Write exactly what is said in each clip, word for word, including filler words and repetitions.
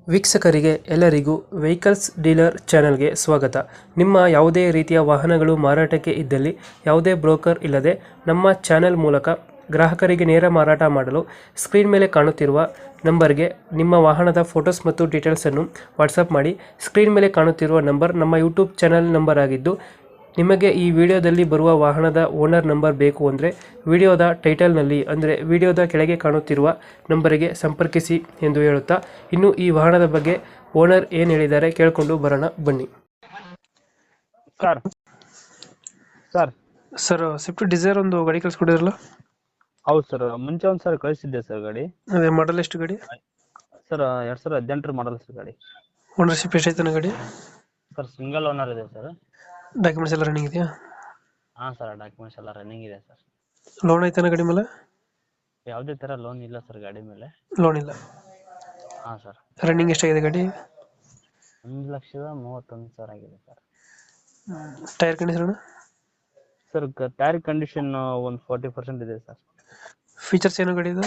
ವೀಕ್ಷಕರಿಗೆ ಎಲ್ಲರಿಗೂ vehicles dealer ಚಾನೆಲ್ಗೆ ಸ್ವಾಗತ. ನಿಮ್ಮ ಯಾವುದೇ ರೀತಿಯ ವಾಹನಗಳು ಮಾರಾಟಕ್ಕೆ ಇದ್ದಲ್ಲಿ ಯಾವುದೇ ಬ್ರೋಕರ್ ಇಲ್ಲದೆ ನಮ್ಮ ಚಾನೆಲ್ ಮೂಲಕ ಗ್ರಾಹಕರಿಗೆ ನೇರ ಮಾರಾಟ ಮಾಡಲು ಸ್ಕ್ರೀನ್ ಮೇಲೆ ಕಾಣುತ್ತಿರುವ ನಂಬರ್ಗೆ ನಿಮ್ಮ ವಾಹನದ ಫೋಟೋಸ್ ಮತ್ತು ಡೀಟೇಲ್ಸನ್ನು ವಾಟ್ಸಪ್ ಮಾಡಿ. ಸ್ಕ್ರೀನ್ ಮೇಲೆ ಕಾಣುತ್ತಿರುವ ನಂಬರ್ ನಮ್ಮ ಯೂಟ್ಯೂಬ್ ಚಾನೆಲ್ ನಂಬರ್ ಆಗಿದ್ದು, ನಿಮಗೆ ಈ ವಿಡಿಯೋದಲ್ಲಿ ಬರುವ ವಾಹನದ ಓನರ್ ನಂಬರ್ ಬೇಕು ಅಂದರೆ ವಿಡಿಯೋದ ಟೈಟಲ್ನಲ್ಲಿ ಅಂದರೆ ವಿಡಿಯೋದ ಕೆಳಗೆ ಕಾಣುತ್ತಿರುವ ನಂಬರಿಗೆ ಸಂಪರ್ಕಿಸಿ ಎಂದು ಹೇಳುತ್ತಾ, ಇನ್ನು ಈ ವಾಹನದ ಬಗ್ಗೆ ಓನರ್ ಏನು ಹೇಳಿದ್ದಾರೆ ಕೇಳಿಕೊಂಡು ಬರೋಣ ಬನ್ನಿ. Sir sir sir Swift Dzire ಒಂದು ಗಾಡಿ ಕಳಿಸ್ಕೊಡಿದ್ರಲ್ಲ, ಹೌದು ಸರ್. ಮುಂಚೆ ಒಂದು ಸರ್ ಕಳಿಸಿದ್ದೆ ಸರ್ ಗಾಡಿ. ಅದೇ ಮಾಡಲ್ ಎಷ್ಟು ಗಾಡಿ? ಸರ್ ಎರಡ್ ಸಾವಿರದ ಹದಿನೆಂಟರ ಮಾಡಲ್ ಸರ್ ಗಾಡಿ. ಓನರ್ಶಿಪ್ ಎಷ್ಟೈತೆ ಗಾಡಿ? ಸರ್ ಸಿಂಗಲ್ ಓನರ್ ಇದೆ ಸರ್. ಡಾಕ್ಯುಮೆಂಟ್ಸ್ ಎಲ್ಲ ರನ್ನಿಂಗ್ ಇದೆಯಾ? ಹಾಂ ಸರ್, ಡಾಕ್ಯುಮೆಂಟ್ಸ್ ಎಲ್ಲ ರನ್ನಿಂಗ್ ಇದೆ ಸರ್. ಲೋನ್ ಐತಾನ ಗಾಡಿ ಮೇಲೆ? ಯಾವುದೇ ಥರ ಲೋನ್ ಇಲ್ಲ ಸರ್ ಗಾಡಿ ಮೇಲೆ. ಲೋನ್ ಇಲ್ಲ. ಹಾಂ ಸರ್. ರನ್ನಿಂಗ್ ಎಷ್ಟಾಗಿದೆ ಗಾಡಿ? ಒಂದು ಲಕ್ಷದ ಮೂವತ್ತೊಂದು ಸಾವಿರ ಆಗಿದೆ sir. Tyre condition? Sir tyre condition ಒಂದು ಫಾರ್ಟಿ ಪರ್ಸೆಂಟ್ ಇದೆ ಸರ್. ಫೀಚರ್ಸ್ ಏನು ಗಾಡಿ ಇದು?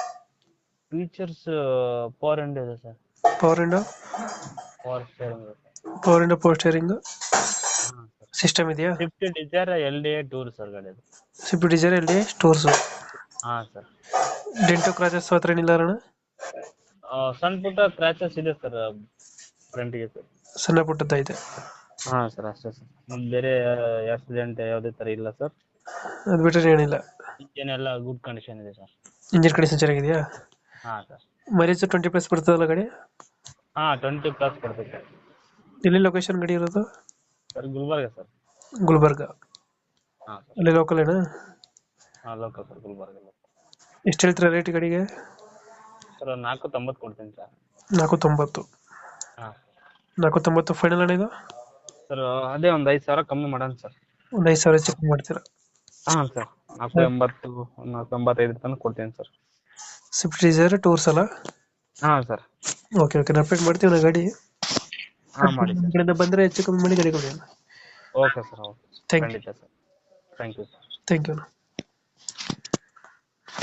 ಫೀಚರ್ಸ್ ಪವರ್ ವಿಂಡೋ ಇದೆ sir. Power window, power steering ಇದೆ sir. Power window, power steering ಹಾಂ ಸರ್. ಸಿಸ್ಟಮ್ ಇದೆಯಾ? Swift Dzire L D A tour sir ಗಾಡಿ ಅದು. Swift Dzire L D stores. ಹಾಂ ಸರ್. ಡೆಂಟೋ ಕ್ರಾಚಸ್ ಹತ್ರ ಏನಿಲ್ಲ ಅಣ್ಣ? ಸಣ್ಣ ಪುಟ್ಟ ಕ್ರ್ಯಾಚಸ್ ಇದೆ ಸರ್ ಫ್ರಂಟಿಗೆ ಸರ್. ಸಣ್ಣ ಪುಟ್ಟದ್ದೈತೆ. ಹಾಂ ಸರ್, ಅಷ್ಟೇ ಸರ್. ಮತ್ತೆ ಬೇರೆ ಆಕ್ಸಿಡೆಂಟ್ ಯಾವುದೇ ಥರ ಇಲ್ಲ ಸರ್. ಅದು ಬಿಟ್ಟರೆ ಏನಿಲ್ಲ. ಇಂಜಿನ್ ಎಲ್ಲ ಗುಡ್ ಕಂಡೀಷನ್ ಇದೆ ಸರ್. ಇಂಜಿನ್ ಕಂಡೀಷನ್ ಚೆನ್ನಾಗಿದೆಯಾ? ಹಾಂ ಸರ್. ಮೈಲೇಜ್ ಟ್ವೆಂಟಿ ಪ್ಲಸ್ ಬರ್ತದಲ್ಲ ಗಾಡಿ? ಹಾಂ, ಟ್ವೆಂಟಿ ಪ್ಲಸ್ ಕೊಡ್ತೈತೆ ಸರ್. ಎಲ್ಲಿ ಲೊಕೇಶನ್ ಗಾಡಿ ಇರೋದು? Sir Gulbarga sir. ಗುಲ್ಬರ್ಗ. ಹಾಂ ಸರ್. ಅಲ್ಲಿ ಲೋಕಲ್ ಏನಾ? ಹಾಂ, ಲೋಕಲ್ ಸರ್, ಗುಲ್ಬರ್ಗ. ಎಷ್ಟು ಹೇಳ್ತೀರಾ ರೇಟ್ ಗಾಡಿಗೆ? ಸರ್ ನಾಲ್ಕು ತೊಂಬತ್ತು ಕೊಡ್ತೀನಿ ಸರ್. ನಾಲ್ಕು ತೊಂಬತ್ತು. ಹಾಂ, ನಾಲ್ಕು ತೊಂಬತ್ತು ಫೈನಲ್ ಅಣ್ಣ ಇದು? ಸರ್ ಅದೇ ಒಂದು ಐದು ಸಾವಿರ ಕಮ್ಮಿ ಮಾಡೋಣ ಸರ್. ಒಂದು ಐದು ಸಾವಿರ ಚೆಕ್ ಮಾಡ್ತೀರಾ? ಹಾಂ ಸರ್, ನಾಲ್ಕು ಎಂಬತ್ತು ನಾಲ್ಕು ಎಂಬತ್ತೈದು ತನಕ ಕೊಡ್ತೀನಿ ಸರ್. ಸ್ವಿಫ್ಟ್ ಡಿಸೈರ್ ಟೂರ್ಸ್ ಅಲ್ಲ? ಹಾಂ ಸರ್. ಓಕೆ ಓಕೆ, ನಾನು ಅಪ್ಡೇಟ್ ಮಾಡ್ತೀವಿ ನಾ ಗಾಡಿ. ಹಾಂ, ಮಾಡಿ ಸರ್. ಕಡೆಯಿಂದ ಬಂದರೆ ಹೆಚ್ಚು ಕಮ್ಮಿ ಮಾಡಿ ಗಾಡಿ ಕೊಡಿ. Okay sir, okay. Thank you. ಖಂಡಿತ sir. Thank you sir. Thank you.